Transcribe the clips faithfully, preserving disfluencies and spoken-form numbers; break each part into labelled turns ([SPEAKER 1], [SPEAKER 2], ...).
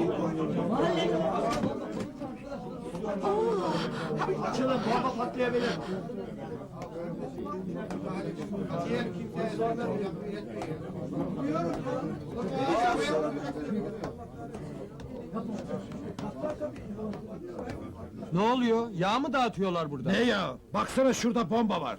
[SPEAKER 1] Açılın, bomba patlayabilir.
[SPEAKER 2] Ne oluyor? Yağ mı dağıtıyorlar burada?
[SPEAKER 1] Ne ya? Baksana şurada bomba var.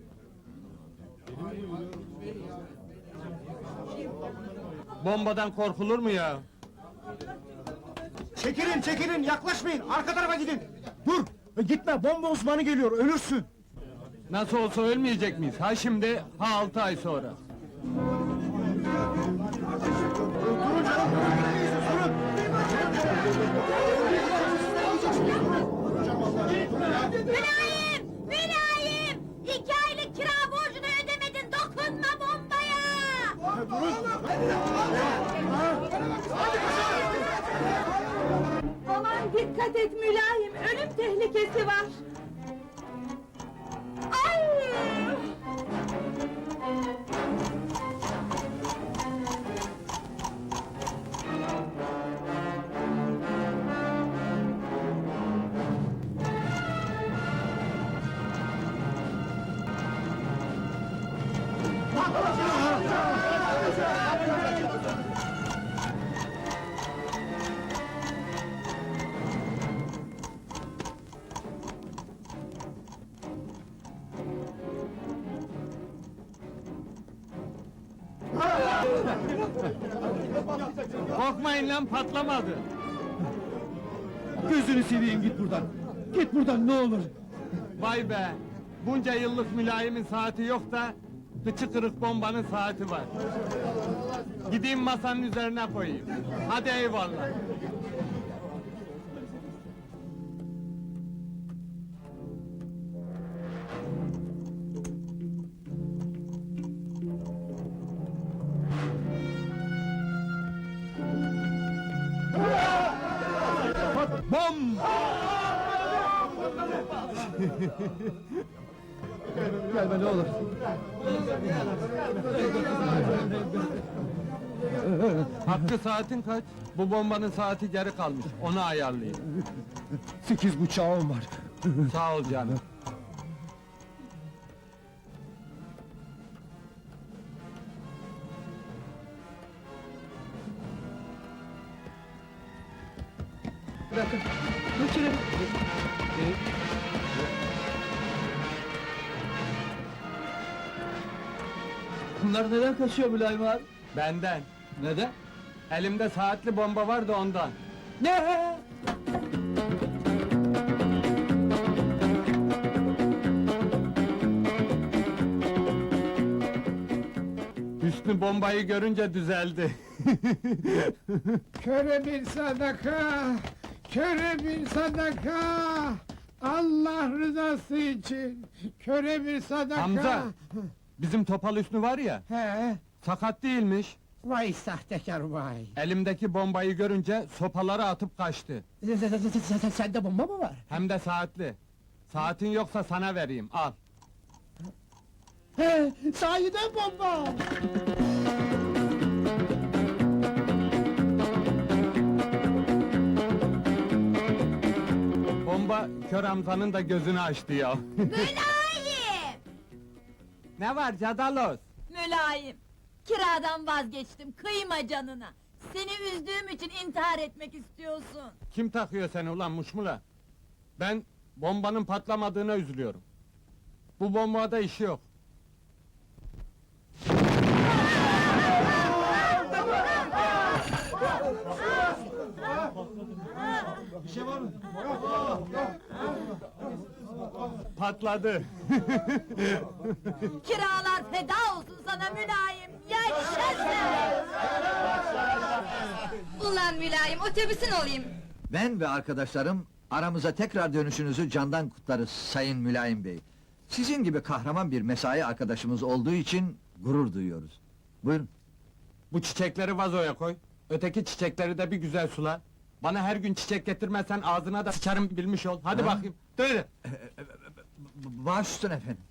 [SPEAKER 2] Bombadan korkulur mu ya?
[SPEAKER 1] Çekilin, çekilin, yaklaşmayın, arka tarafa gidin! Dur! Gitme, bomba uzmanı geliyor, ölürsün!
[SPEAKER 2] Nasıl olsa ölmeyecek miyiz? Ha şimdi, ha altı ay sonra.
[SPEAKER 1] Durun canım, durun!
[SPEAKER 3] Mülayim! Mülayim! İki aylık kira borcunu ödemedin, dokunma bombaya! Aman dikkat et Mülayim, ölüm tehlikesi var! Ay!
[SPEAKER 2] Korkmayın lan, patlamadı.
[SPEAKER 1] Gözünü seveyim, git buradan! Git buradan, ne olur!
[SPEAKER 2] Vay be! Bunca yıllık mülayimin saati yok da... ...kıçı kırık bombanın saati var. Gideyim masanın üzerine koyayım. Hadi eyvallah. Bom!
[SPEAKER 1] Gelme ne olur!
[SPEAKER 2] Hakkı saatin kaç? Bu bombanın saati geri kalmış, onu ayarlayayım.
[SPEAKER 1] Sekiz buçağım var!
[SPEAKER 2] Sağ ol canım.
[SPEAKER 1] Bir dakika, geçelim! Bunlar neden kaçıyor Mülayim abi?
[SPEAKER 2] Benden.
[SPEAKER 1] Neden?
[SPEAKER 2] Elimde saatli bomba var da ondan.
[SPEAKER 1] Ne?
[SPEAKER 2] Hüsnü bombayı görünce düzeldi.
[SPEAKER 4] Köre bir sadaka, köre bir sadaka. Allah rızası için, köre bir sadaka.
[SPEAKER 2] Hamza! Bizim Topal Hüsnü var ya,
[SPEAKER 4] He,
[SPEAKER 2] sakat değilmiş.
[SPEAKER 4] vay sahtekar vay.
[SPEAKER 2] Elimdeki bombayı görünce sopaları atıp kaçtı.
[SPEAKER 4] Sende bomba mı var?
[SPEAKER 2] Hem de saatli. Saatin yoksa sana vereyim, al.
[SPEAKER 4] He, sahiden bomba.
[SPEAKER 2] Bomba kör Hamza'nın da gözünü açtı ya.
[SPEAKER 3] Mülayim!
[SPEAKER 2] Ne var Cadalos?
[SPEAKER 3] Mülayim! Kiradan vazgeçtim, kıyma canına! Seni üzdüğüm için intihar etmek istiyorsun!
[SPEAKER 2] Kim takıyor seni ulan muşmula? Ben bombanın patlamadığına üzülüyorum. Bu bombada işi yok.
[SPEAKER 1] Bir şey var mı?
[SPEAKER 2] Patladı.
[SPEAKER 3] Kiralar feda olsun sana Mülayim! Yaşasın!
[SPEAKER 5] Ulan Mülayim, otobüsün olayım!
[SPEAKER 6] Ben ve arkadaşlarım aramıza tekrar dönüşünüzü candan kutlarız Sayın Mülayim Bey. Sizin gibi kahraman bir mesai arkadaşımız olduğu için gurur duyuyoruz. Buyurun.
[SPEAKER 2] Bu çiçekleri vazoya koy. Öteki çiçekleri de bir güzel sula. Bana her gün çiçek getirmezsen ağzına da sıçarım bilmiş ol. Hadi
[SPEAKER 6] Ha?
[SPEAKER 2] bakayım. Söyle.
[SPEAKER 6] Baş üstüne efendim.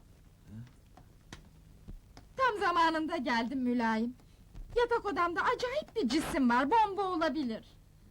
[SPEAKER 5] Tam zamanında geldim Mülayim. Yatak odamda acayip bir cisim var, bomba olabilir.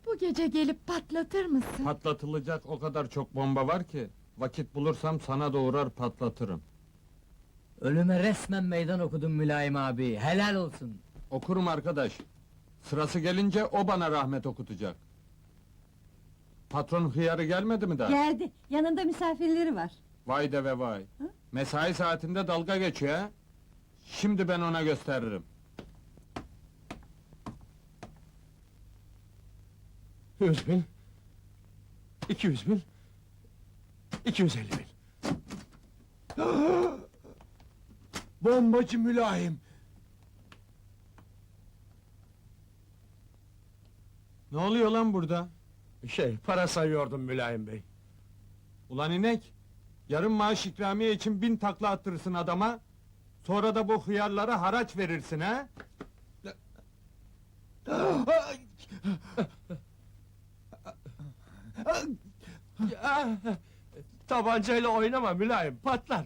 [SPEAKER 3] Bu gece gelip patlatır mısın?
[SPEAKER 2] Patlatılacak o kadar çok bomba var ki... ...vakit bulursam sana doğurar patlatırım.
[SPEAKER 7] Ölüme resmen meydan okudun Mülayim abi, helal olsun.
[SPEAKER 2] Okurum arkadaş. Sırası gelince o bana rahmet okutacak. Patron hıyarı gelmedi mi daha?
[SPEAKER 3] Geldi, yanında misafirleri var.
[SPEAKER 2] Vay de ve vay. Mesai saatinde dalga geçiyor ha? Şimdi ben ona gösteririm.
[SPEAKER 1] Yüz bin. İki yüz bin. İki yüz elli bin. Bombacı mülayim.
[SPEAKER 2] Ne oluyor lan burada?
[SPEAKER 1] Şey, para sayıyordum mülayim bey.
[SPEAKER 2] Ulan inek! Yarın maaş ikramiye için bin takla attırırsın adama... ...sonra da bu hıyarlara haraç verirsin ha?
[SPEAKER 1] Tabancayla oynama mülayim, patlar.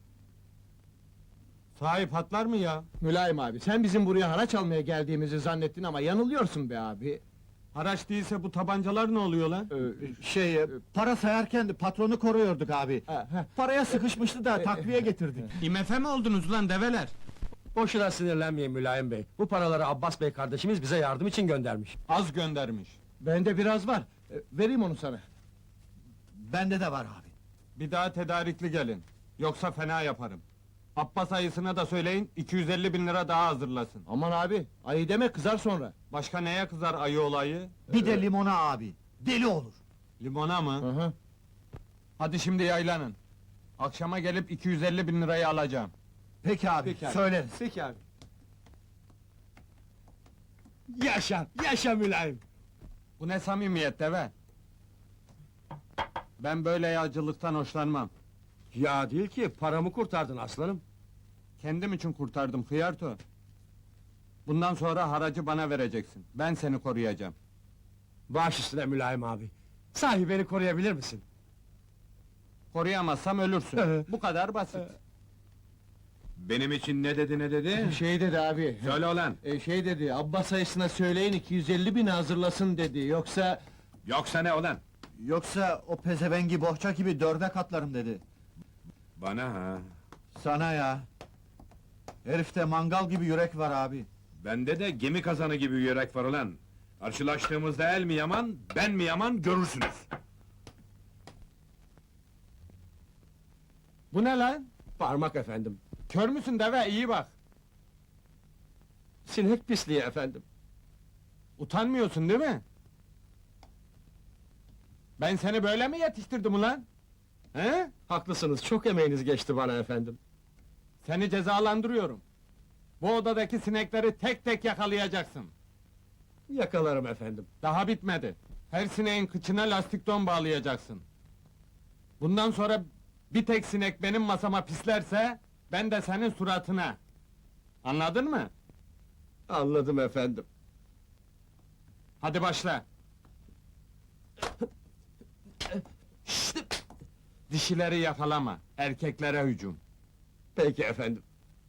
[SPEAKER 2] Sahi patlar mı ya?
[SPEAKER 8] Mülayim abi, sen bizim buraya haraç almaya geldiğimizi zannettin ama yanılıyorsun be abi.
[SPEAKER 2] Haraç değilse bu tabancalar ne oluyor lan?
[SPEAKER 8] Ee, şey, e, para sayarken de patronu koruyorduk abi. Paraya sıkışmıştı da takviye getirdik.
[SPEAKER 2] İ M F mi oldunuz lan develer?
[SPEAKER 1] Boşuna sinirlenmeyin mülayim bey. Bu paraları Abbas bey kardeşimiz bize yardım için göndermiş.
[SPEAKER 2] Az göndermiş.
[SPEAKER 8] Bende biraz var, e, vereyim onu sana.
[SPEAKER 6] Bende de var abi.
[SPEAKER 2] Bir daha tedarikli gelin. Yoksa fena yaparım. Abbas ayısına da söyleyin, iki yüz elli bin lira daha hazırlasın.
[SPEAKER 8] Aman abi, ayı deme kızar sonra.
[SPEAKER 2] Başka neye kızar ayı olayı?
[SPEAKER 6] Bir de limona abi. Deli olur.
[SPEAKER 2] Limona mı?
[SPEAKER 8] Hı hı.
[SPEAKER 2] Hadi şimdi yaylanın. Akşama gelip iki yüz elli bin lirayı alacağım.
[SPEAKER 6] Peki abi,
[SPEAKER 8] Peki abi.
[SPEAKER 6] söyleriz.
[SPEAKER 8] Peki abi.
[SPEAKER 1] Yaşa, yaşa mülayim.
[SPEAKER 2] Bu ne samimiyet deve? Ben böyle yağcılıktan hoşlanmam.
[SPEAKER 1] Ya değil ki, paramı kurtardın aslanım.
[SPEAKER 2] Kendim için kurtardım hıyarto. Bundan sonra haracı bana vereceksin. Ben seni koruyacağım.
[SPEAKER 1] Baş üstüne mülayim abi. Sahi beni koruyabilir misin?
[SPEAKER 2] Koruyamazsam ölürsün. Bu kadar basit.
[SPEAKER 9] Benim için ne dedi ne dedi?
[SPEAKER 8] Şey dedi abi,
[SPEAKER 9] Söyle ulan!
[SPEAKER 8] e, şey dedi, Abbas ayısına söyleyin iki yüz elli bin hazırlasın dedi, yoksa...
[SPEAKER 9] Yoksa ne ulan?
[SPEAKER 6] Yoksa o pezevengi bohça gibi dörde katlarım dedi.
[SPEAKER 9] Bana ha!
[SPEAKER 6] Sana ya. Herifte mangal gibi yürek var abi.
[SPEAKER 9] Bende de gemi kazanı gibi yürek var ulan! Karşılaştığımızda el mi yaman, ben mi yaman görürsünüz!
[SPEAKER 2] Bu ne lan?
[SPEAKER 1] Parmak efendim.
[SPEAKER 2] Kör müsün deve? İyi bak.
[SPEAKER 1] Sinek pisliği efendim.
[SPEAKER 2] Utanmıyorsun değil mi? Ben seni böyle mi yetiştirdim ulan? He?
[SPEAKER 1] Haklısınız, çok emeğiniz geçti bana efendim.
[SPEAKER 2] Seni cezalandırıyorum. Bu odadaki sinekleri tek tek yakalayacaksın.
[SPEAKER 1] Yakalarım efendim.
[SPEAKER 2] Daha bitmedi. Her sineğin kıçına lastik don bağlayacaksın. Bundan sonra bir tek sinek benim masama pislerse... ...ben de senin suratına. Anladın mı?
[SPEAKER 1] Anladım efendim.
[SPEAKER 2] Hadi başla. Dişileri yakalama, erkeklere hücum.
[SPEAKER 1] Peki efendim.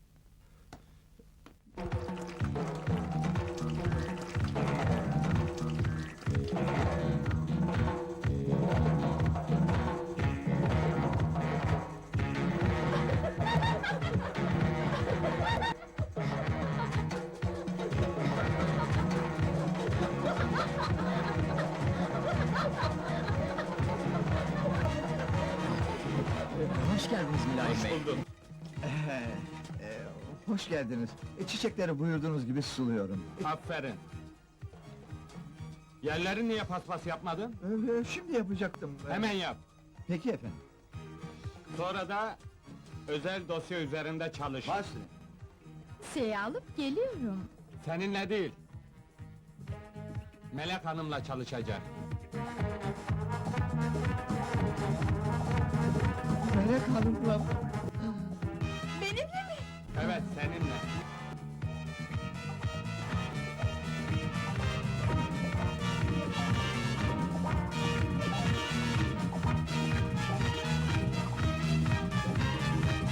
[SPEAKER 7] Hoş geldiniz Mülayim bey.
[SPEAKER 6] Ee, e, hoş geldiniz. E, çiçekleri buyurduğunuz gibi suluyorum.
[SPEAKER 2] Aferin. Yerleri niye paspas yapmadın?
[SPEAKER 6] Ee, şimdi yapacaktım. Ee,
[SPEAKER 2] Hemen yap.
[SPEAKER 6] Peki efendim.
[SPEAKER 2] Sonra da... ...özel dosya üzerinde çalış.
[SPEAKER 6] Başlayın.
[SPEAKER 3] Şey alıp geliyorum.
[SPEAKER 2] Seninle değil. Melek Hanım'la çalışacak.
[SPEAKER 6] Melek Hanım'la...
[SPEAKER 3] Benimle mi?
[SPEAKER 2] Evet, seninle.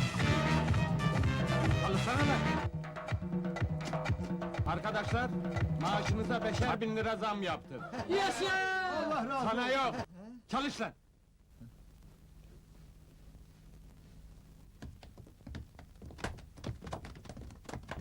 [SPEAKER 2] Çalışsana lan! Arkadaşlar, Maaşınıza beşer bin lira zam yaptık.
[SPEAKER 7] Yaşa!
[SPEAKER 6] Allah razı
[SPEAKER 2] Sana yok! Çalış lan!